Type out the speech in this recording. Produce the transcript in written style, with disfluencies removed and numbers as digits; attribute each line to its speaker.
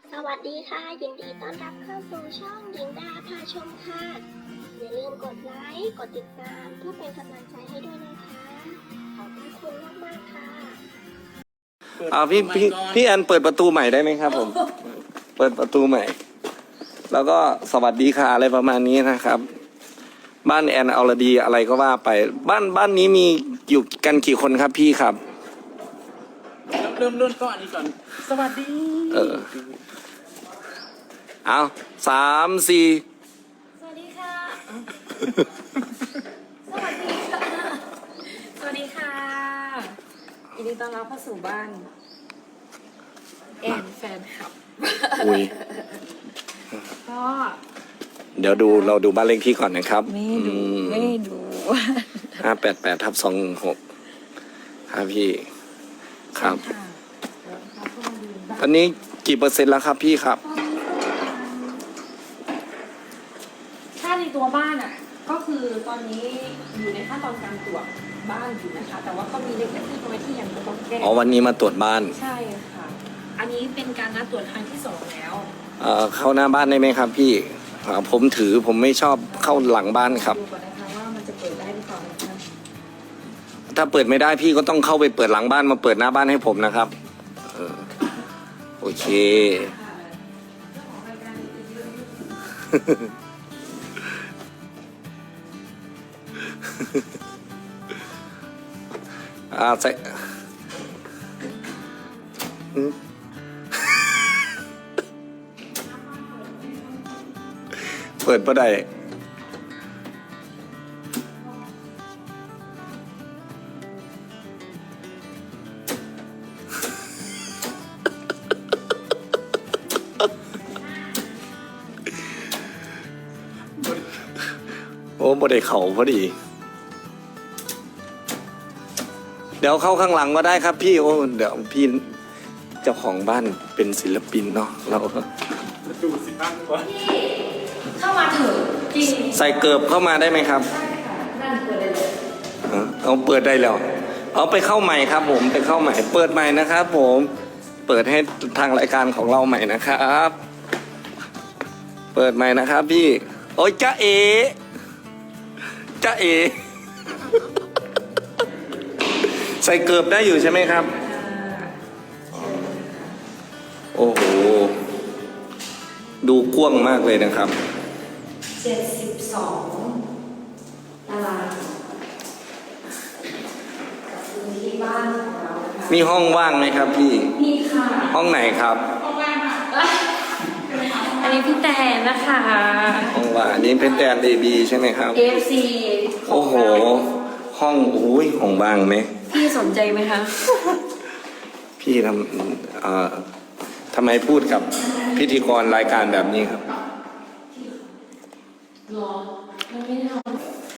Speaker 1: สวัสดีค่ะยินดีต้อนรับเข้าสู่ช่องหญิงดาพาชมค่ะอย่าลืมกดไลค์กดติดตามเพื่อเป็นกำลังใจให้ด้วยนะคะขอบคุณมากๆค่ะ
Speaker 2: พี่แอนเปิดประตูใหม่ได้ไหมครับผม เปิดประตูใหม่ แล้วก็สวัสดีค่ะอะไรประมาณนี้นะครับ บ้านแอนอรดีอะไรก็ว่าไป บ้านนี้มีอยู่กันกี่คนครับพี่ครับ
Speaker 3: เริ่มก็อันนี้ก่อนสวัสดี
Speaker 2: เอา3 4
Speaker 4: สวัสดีค่ะ สวัสดีค่ะ สวัสดีค่ะยินดีต้อนรับเข้าสู่บ้านแอนแฟนคลับ
Speaker 2: อุ้ย
Speaker 4: ก็
Speaker 2: เดี๋ยวเราดูบ้านเลขที่ก่อนนะครับ
Speaker 4: ไม่ดู
Speaker 2: 588/216ครับพี่ครับตอนนี้กี่เปอร์เซ็นต์แล้วครับพี่ครับ
Speaker 4: ถ้าในตัวบ้านอ่ะ ก็คือตอนนี้อยู่ในขั้นตอนการตรวจบ้านอยู่นะคะ แต่ว่าก็มีเล็กๆน้อยๆที่ยังต้องแก้
Speaker 2: อ๋อวันนี้มาตรวจบ้าน
Speaker 4: ใช่ค่ะ อันนี้เป็นการนัดตรวจครั้งที่2แล้ว
Speaker 2: เข้าหน้าบ้านได้ไหมครับพี่ผมไม่ชอบเข้าหลังบ้านครับ
Speaker 4: ดูก่อนนะคะว่ามันจะเปิดได้หรือเปล่านะคะ
Speaker 2: ถ้าเปิดไม่ได้พี่ก็ต้องเข้าไปเปิดหลังบ้านมาเปิดหน้าบ้านให้ผมนะครับโอเค ใส่เปิดบ่ได้โอ้บ่ได้เข่าพอดี เดี๋ยวเข้าข้างหลังก็ได้ครับพี่เดี๋ยวพี่เจ้าของบ้านเป็นศิลปินเนาะเรา
Speaker 3: ดูสิบ้างก่อน
Speaker 4: เข้ามาเถอะจริง
Speaker 2: ใส่เกิบเข้ามาได้ไหมครับ
Speaker 4: นั่นเปิดได้เลย
Speaker 2: เอาเปิดได้แล้วเอาไปเข้าใหม่ครับผมไปเข้าใหม่เปิดใหม่นะครับผมเปิดให้ทางรายการของเราใหม่นะครับ เปิดใหม่นะครับพี่โอ้ยจ๊ะเอใส่เกิบได้อยู่ใช่ไหมครับโอ้โหดูกว้างมากเลยนะครับ
Speaker 4: 72ตารางพื้นที่บ้านของเราค่ะ
Speaker 2: มีห้องว่างไหมครับพี่
Speaker 4: นี่ค่ะ
Speaker 2: ห้องไหนครับ
Speaker 4: อันนี้พี่แตนนะคะ
Speaker 2: ห้องว่างอันนี้เป็นแดนเบบีใช่ไหมครับ
Speaker 4: AFC
Speaker 2: โอ้โหห้องห้องว่างไหม
Speaker 4: พี่สนใจไหมคะ
Speaker 2: พี่ทำไมพูดกับพิธีกรรายการแบบนี้ครับ
Speaker 4: รอมันไม่ได้ทำ